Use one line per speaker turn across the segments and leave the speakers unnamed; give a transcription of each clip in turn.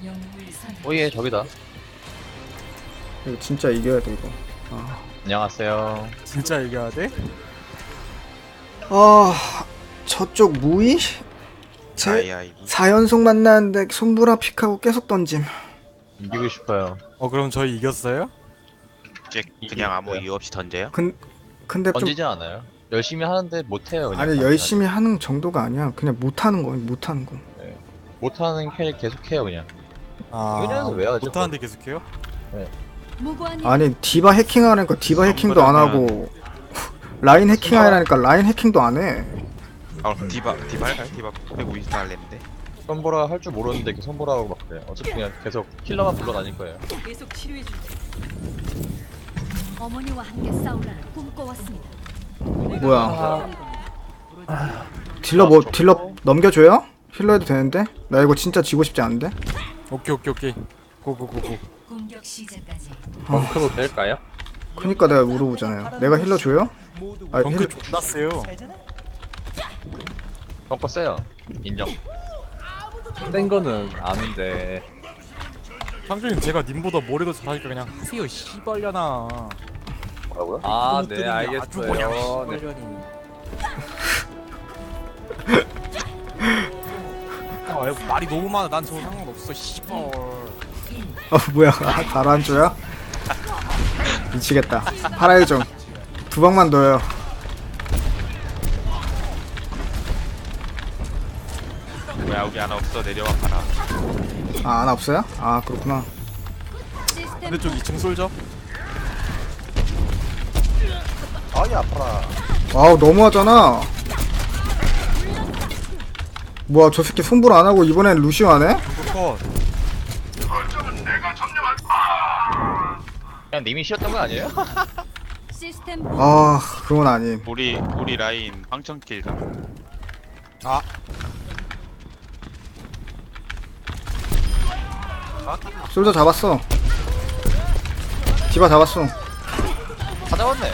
오예 저기다.
이거 진짜 이겨야 돼 이거.
안녕하세요.
진짜 이겨야 돼?
저쪽 무이? 제 4연속 만나는데 손브라 픽하고 계속 던짐.
이기고 싶어요.
그럼 저희 이겼어요?
그냥 아무 이유 없이 던져요?
근데 좀
던지지 않아요. 열심히 하는데 못해요. 그냥.
아니 열심히 하는 정도가 아니야. 그냥 못하는 거, 못하는 거.
못하는 캐릭 계속해요 그냥. 이래서 왜 하죠?
못하는데 계속해요?
아니 디바 해킹하라니까 디바 해킹도 안 하고 라인 해킹하라니까 라인 해킹도 안 해.
디바 할까요? 디바 빼고 인스타 할랬는데.
선보라 할 줄 모르는데 이렇게 선보라고 막 그래. 어차피 그냥 계속 킬러만 불러다닐 거예요.
계속 치료해줄 어머니와 함께 싸우라는 꿈꿔왔습니다.
뭐야? 딜러 넘겨줘요? 힐러 해도 되는데? 나 이거 진짜 지고 싶지 않은데?
오케이 고고고고.
공격 시작까지.
벙크로 될까요?
그니까 내가 물어보잖아요. 내가 힐러 줘요? 아
덩크
힐러
존나 세요.
벙커 세요. 인정.
센 거는 아는데
상준님 제가 님보다 머리도 잘하니까 그냥 하세요 씨발려나.
뭐라고요?
아 네 알겠어요. 네.
말이 너무 많아. 난 저거 상관없어 씨발.
뭐야? 가라앉줘요? 미치겠다. 파라일 좀. 두 방만 넣어요.
뭐야 여기 하나 없어 내려와 봐라.
아 하나 없어요? 아 그렇구나.
반대쪽 2층 솔져?
아이 아파라.
와우 너무하잖아. 뭐야 저 새끼 손불 안 하고 이번엔 루시오 하네?
컷.
그냥 님이 쉬었던 거 아니에요?
시스템
아 그건 아님.
우리 라인 황천킬가.
솔저 잡았어. 디바 잡았어.
다 잡았네.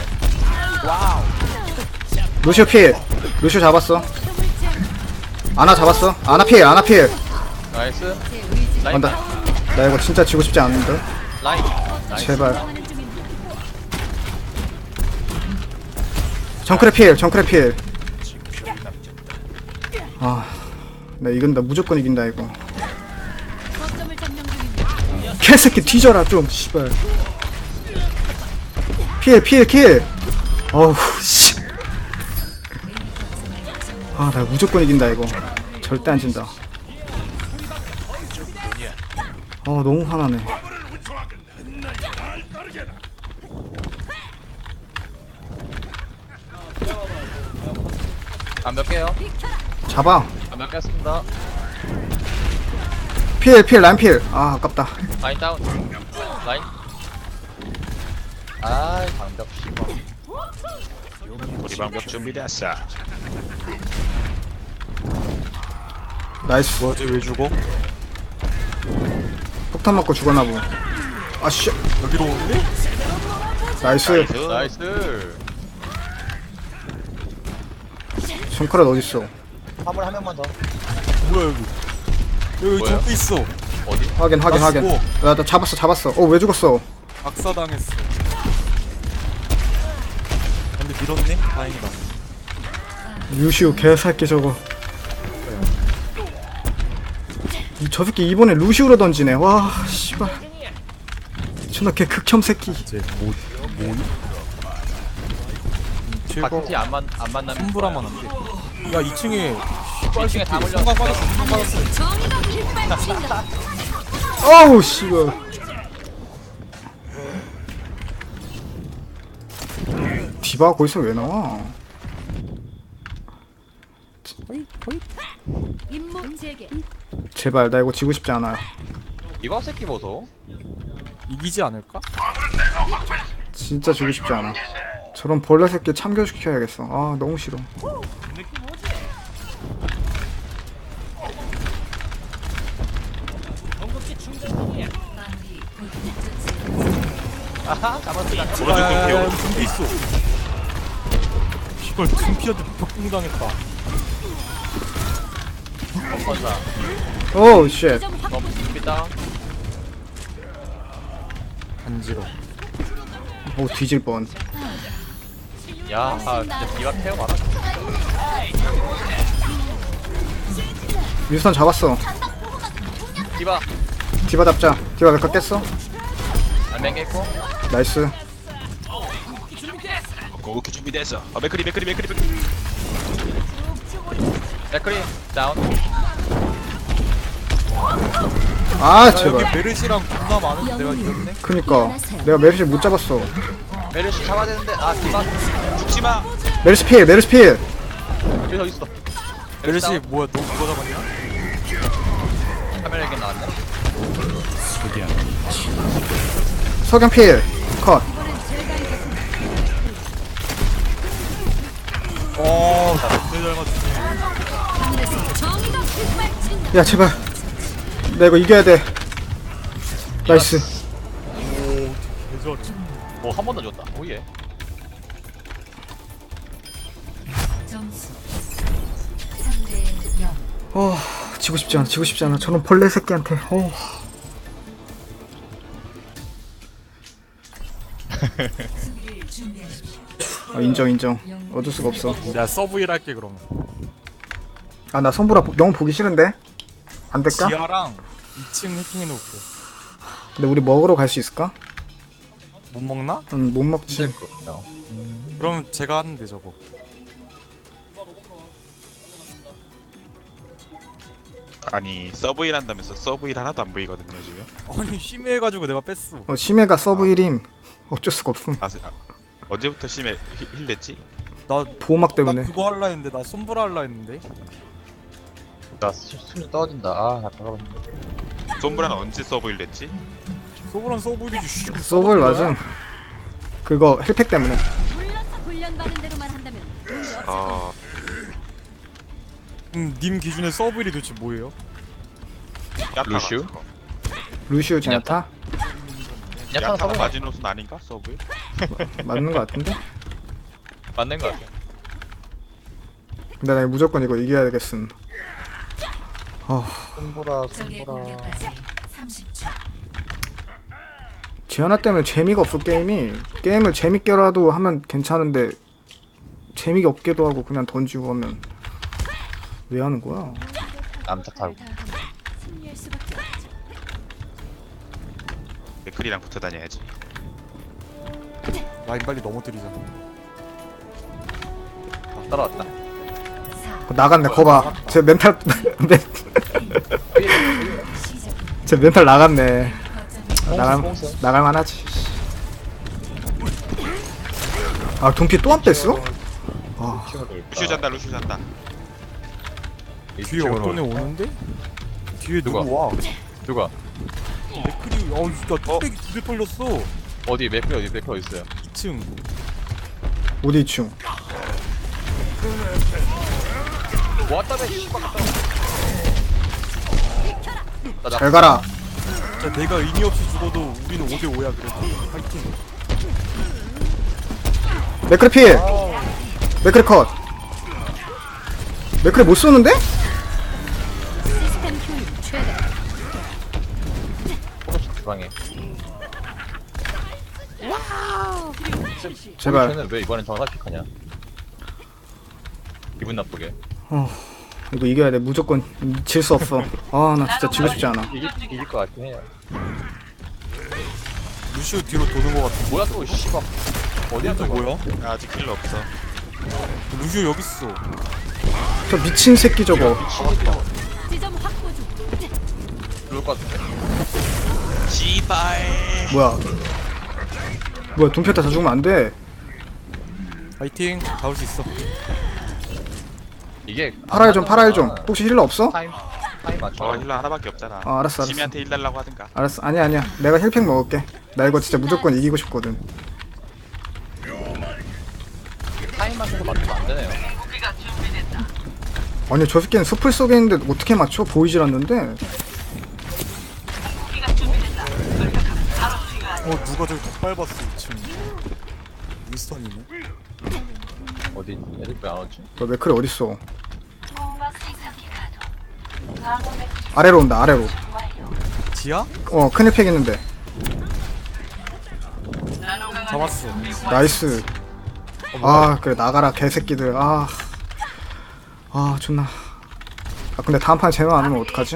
루시오 필. 루시오 잡았어. 아나 잡았어. 아나 필. 아나 필.
나이스.
아,
라인.
나 이거 진짜 지고 싶지 않은데.
라인. 나이스.
제발. 정크레 필. 정크레 필. 아, 나 이긴다. 무조건 이긴다 이거.
거점을 점령 중입니다.
개새끼 뒤져라 좀. 씨발. 필. 어우 씨. 아, 나 무조건 이긴다 이거. 절대 안 진다. 너무 화나네.
몇 개요?
잡아.
몇 개 했습니다.
필, 라인 필. 아, 아깝다.
라인 다운. 라인. 아 방벽 씹어.
우리 방벽 준비됐어.
나이스.
뭐야 쟤왜 죽어?
폭탄 맞고 죽었나 보. 아, 씨.
여기로 오는데?
나이스.
나이스.
손가락 어딨어?
화물 한 명만 더.
뭐야 여기
뭐야?
적도 있어.
어디?
확인.
나
나 잡았어. 왜 죽었어?
박사당했어. 근데 밀었네? 다행이다.
루시오 개새끼 저거. 저 새끼 이번에 루시오로 던지네. 와, 씨발. 존나 개 극혐 새끼.
최고
파티 안 만나면
손브라만 안 돼. 야 2층에
2층에 다 몰려.
성광 빠졌어.
정의가 빗발친다.
어우, 씨발. 디바 거기서 왜 나와?
임무 재개.
제발 나 이거 지고 싶지 않아요.
이거 새끼 보소.
이기지 않을까?
진짜 지고 싶지 않아. 저런 벌레 새끼 참교시켜야겠어. 아 너무 싫어.
아하 잡았다.
오른쪽 dum피 오른쪽
둠피 있어. 이걸 둠피한테 벽공당했다.
벙커사.
오 쉣.
점 확보.
일단
간지러.
오 뒤질 뻔.
야 진짜 디바 케어 많아.
윈스턴 잡았어.
디바
디바 잡자. 디바 몇 컷 깼어?
맹겠고
나이스.
오케이 준비됐어. 맥크리.
맥크리 다운.
아
야, 여기
제발.
메르시랑 겁나 많은데 내가 이겼네.
그니까 내가 메르시 못 잡았어.
메르시 잡아야 되는데 아 디바
죽지마.
메르시 필. 메르시 필.
여기 어디 있어?
메르시 뭐야 너 그거 잡았냐?
카메라에게 나왔네.
석양 필. 컷.
잘 맞추네.
하늘에서 정의가 휘발친다.
야 제발. 나 이거 이겨야 돼. 나이스.
대전.
뭐한 번 더 줬다. 오예.
점수 3대 0.
지고 싶지 않아. 지고 싶지 않아. 저런 벌레 새끼한테. 인정. 어쩔 수가 없어.
야 서브 일 할게 그럼.
아 나 선보라 너무 보기 싫은데. 안 될까?
지하랑 2층 해킹해 놓을게.
근데 우리 먹으러 갈 수 있을까?
못 먹나?
못 먹지.
그럼 제가 하는데 저거.
아니 서브일 한다면서 서브일 하나도 안 보이거든요 지금.
아니 심해해가지고 내가 뺐어.
심해가 서브 1임. 어쩔 수가 없음.
언제부터 심해 힐 냈지?
나
보호막 때문에.
그거 할라 했는데 나 손보라 할라 했는데.
나 수준 떨어진다. 나 잠깐만.
손브라는 언제 서브일 냈지?
소브란 서브이지.
서브를 맞음. 그거 힐팩 때문에.
불러서 훈련받은 대로만 한다면 문제 없어.
님 기준에 서브일이 도대체 뭐예요?
루슈?
루시우 제나타?
약간
야타가
서브
마지노선 아닌가 서브일?
맞는 거 같은데?
맞는 거 같아.
근데 나 무조건 이거 이겨야 되겠음.
손보라
적의 공격까지 30초.
지하나 때문에 재미가 없어 게임이. 게임을 재밌게라도 하면 괜찮은데 재미가 없게도 하고 그냥 던지고 하면 왜 하는 거야?
남탓하고.
승리할 수밖에 없죠.
맥크리랑 붙어 다녀야지.
라인 빨리 넘어뜨리자.
따라왔다.
나갔네. 거봐. 제 멘탈 제 멘탈 나갔네. 나갈만하지. 아 동피 또 안 뺐어?
루슈 잔다.
뒤에 어떤 애 오는데? 뒤에 누구
누가?
와?
누가?
맥크리 진짜 뚝배기 두대 털렸어.
어디 맥크리 어디 있어요?
2층.
어디 2층?
왔다며 씨발.
잘 가라.
자 내가 의미 없이 죽어도 우리는 5대5야 그래도. 파이팅.
맥크리 필. 맥크리 컷. 맥크리 못 쏘는데?
시스템 효율 최대.
포커스 주방에.
제발.
쟤는 왜 이번엔 정사픽하냐? 기분 나쁘게.
이거 이겨야 돼. 무조건 질 수 없어. 아 나 진짜 지고 싶지 않아.
이길 것 같긴 해요.
루시오 뒤로 도는 거 같아.
뭐야 또 씨발. 어디야 또
뭐야?
아직 킬러 없어.
루시오 여기 있어.
저 미친 새끼 저거.
지점 확보 중.
그럴 것 같은데.
씨발.
뭐야 돈피었다 다 죽으면 안 돼.
파이팅. 잡을 수 있어.
이게
팔아요 좀. 혹시 힐러 없어?
타임 맞춰.
힐러 하나밖에 없잖아.
알았어.
지미한테 힐 달라고 하든가.
알았어. 아니야. 내가 힐팩 먹을게. 나 이거 진짜 무조건 이기고 싶거든.
타임 맞춰서 맞추면 안 되네요.
아니 저 새끼는 숲을 속에 있는데 어떻게 맞춰? 보이질 않는데.
누가 저기 더 밟았어 2층. 윈스턴이네.
어디 애들 왜안 오지?
너 맥클이 어딨어? 아래로 온다. 아래로.
지하?
큰일 팩 있는데.
잡았어.
나이스. 그래 나가라 개새끼들. 존나. 근데 다음 판에 제노 안 오면 어떡하지?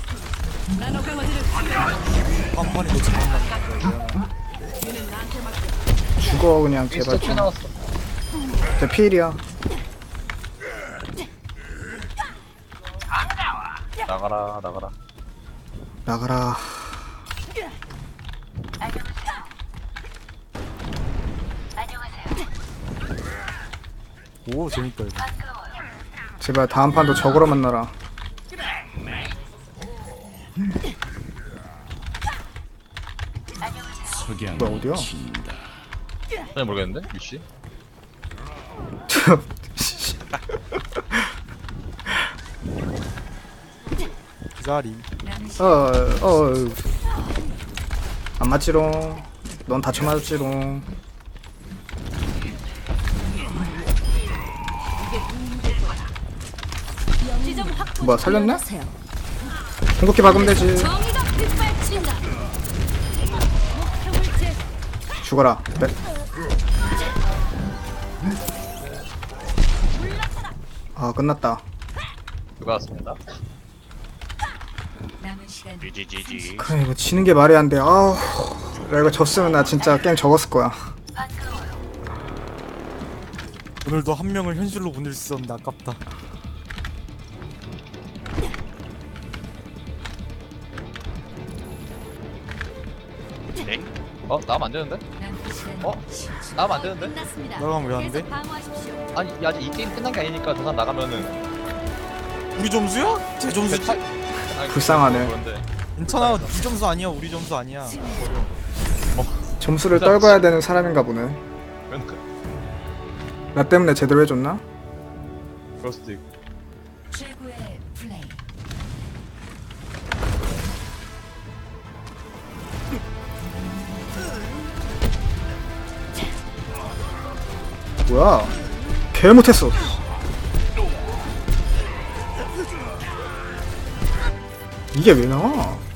빵판이 너 잘한다.
죽어 그냥 제발
스톱
좀.
나왔어.
제 필이야.
나가라 나가라.
나가라.
오 재밌다 이거.
제발 다음 판도 적으로 만나라. 뭐야 어디야?
전혀 모르겠는데 유씨.
기다리.
안 맞지롱. 넌 다쳐 맞았지롱.
지점 확보.
뭐야, 살렸네?
하세요.
궁극기 박으면 되지.
정의가 빗발친다. 목표물 제
죽어라. 끝났다.
수고하셨습니다.
GGGG.
그래 이거 지는 게 말이 안 돼. 나 이거 졌으면 나 진짜 게임 접었을 거야.
오늘도 한 명을 현실로 보낼 수 있었는데 아깝다.
엥?
나가면 안 되는데? 나가면 안 되는데?
끝났습니다.
나가면 왜안 돼?
계속 방어하십시오.
아니 아직 이 게임 끝난 게 아니니까 저 사람 나가면은
우리 점수야? 제 점수지?
아니,
불쌍하네.
그런데
괜찮아. 네 점수 아니야. 우리 점수 아니야.
점수를 떨궈야 되는 사람인가 보네.
그러니까
나 때문에 제대로 해줬나?
그럴 수도 있고.
최고의 플레이.
뭐야? 개 못했어. 이게 왜 나와?